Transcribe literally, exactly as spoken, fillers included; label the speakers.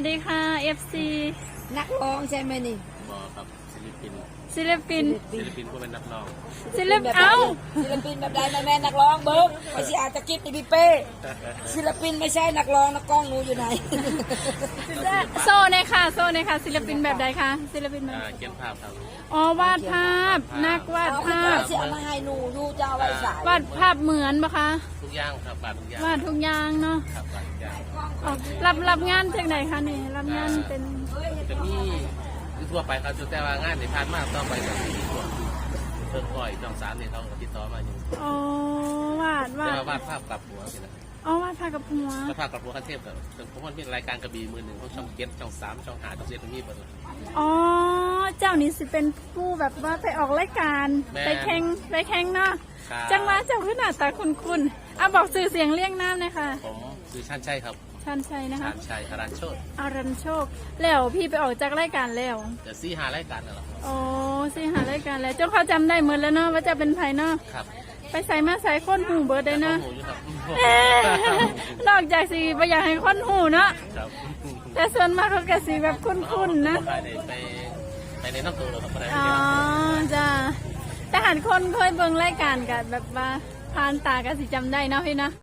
Speaker 1: สดีค่ะ เอฟ ซี
Speaker 2: นักร้องใช่ไหมนี่
Speaker 3: บอครับศิลปิน
Speaker 1: ศิลปิน
Speaker 3: ศิลปินก็เป็นนักร้อง
Speaker 1: ศิลปินเอ้า
Speaker 2: ศิลปินแบบใดแม่แม่นักร้องเบิร์กไม่ใช่อาจจะคิดอีพี่เป้ศิลปินไม่ใช่นักร้องนักกล้องหนูอยู่ไหน
Speaker 1: โซ่ในค่ะโซ่ในค่ะศิลปินแบบใดคะศิลปินแบบ
Speaker 3: อ่าเขียนภาพครับ
Speaker 1: อ๋อวาดภาพนักวาด
Speaker 2: เอาคุณ
Speaker 1: ภา
Speaker 2: จะ
Speaker 1: พ
Speaker 2: เสียมาให้หนูหนูจะเอาไว้ใส่
Speaker 1: วาดภาพเหมือนปะคะ
Speaker 3: ทุกอย่างครับบาททุกอย่าง
Speaker 1: วาดทุกอย่างเนาะ
Speaker 3: ครับบาททุกอย่าง
Speaker 1: อ๋อรับรับงานจากไหนคะนี่รับงานเป็น
Speaker 3: จะมีทั่วไปครับแต่ว่างานในพานมากต้องไปกับที่ทั่วเพิ่มก่อยจองสามเนี่ยเขาก็ติดต่อมาอยู่
Speaker 1: อ๋อวาดวา
Speaker 3: แต่
Speaker 1: ด
Speaker 3: ว่าวาดภาพกลับหัวสินะ
Speaker 1: อ๋อวาดภาพกับหัว
Speaker 3: วาดภาพกลับหัวขั้นเทพกับเพราะมันเป็นรายการกระบี่มือหนึ่งของช่องเก็ตช่องสามช่องหาช่องเจ็ดตรงนี้หมดเลย
Speaker 1: อ๋อเจ้านี่สิเป็นผู้แบบว่าไปออกรายการ
Speaker 3: แม่
Speaker 1: ไปแข่งไปแข่งเนาะ
Speaker 3: ครับ
Speaker 1: จังหวะเจ้าขึ้นหน้าตาคุ้นๆอ่ะบอกสื่อเสียงเรียกน้ำเลยค่ะ
Speaker 3: ผมคือชันชัยครับ
Speaker 1: ชันชัยนะคะ
Speaker 3: ชันชัยอารันโชต
Speaker 1: อารันโชค แล้วพี่ไปออกจากรายการแล้ว
Speaker 3: เดี๋ยวซี่หารายการนั่นแหละครับ
Speaker 1: โอ้สิหารายการแล้วเจ้าเขาจำได้หมดแล้วเนาะว่าจะเป็นไผเนาะ
Speaker 3: ครับ
Speaker 1: ไปใส่มาใส่ค้นหูเบิร์ดได้เนาะ
Speaker 3: แต่ข้อมูลอยู่ครับ
Speaker 1: เอ๊ะนอกจากสีไปอยากให้ค้นหูเนาะ
Speaker 3: ครับ
Speaker 1: แต่ส่วนมากเขาก็สีแบบคุ้นๆนะ
Speaker 3: ไปในไปไปในน้ำตัวเลยครับไปใน
Speaker 1: อ๋อจ้าแต่หันคนเคยเบิ่งรายการกันแบบว่าผ่านตาก็สิจำได้เนาะพี่เนาะ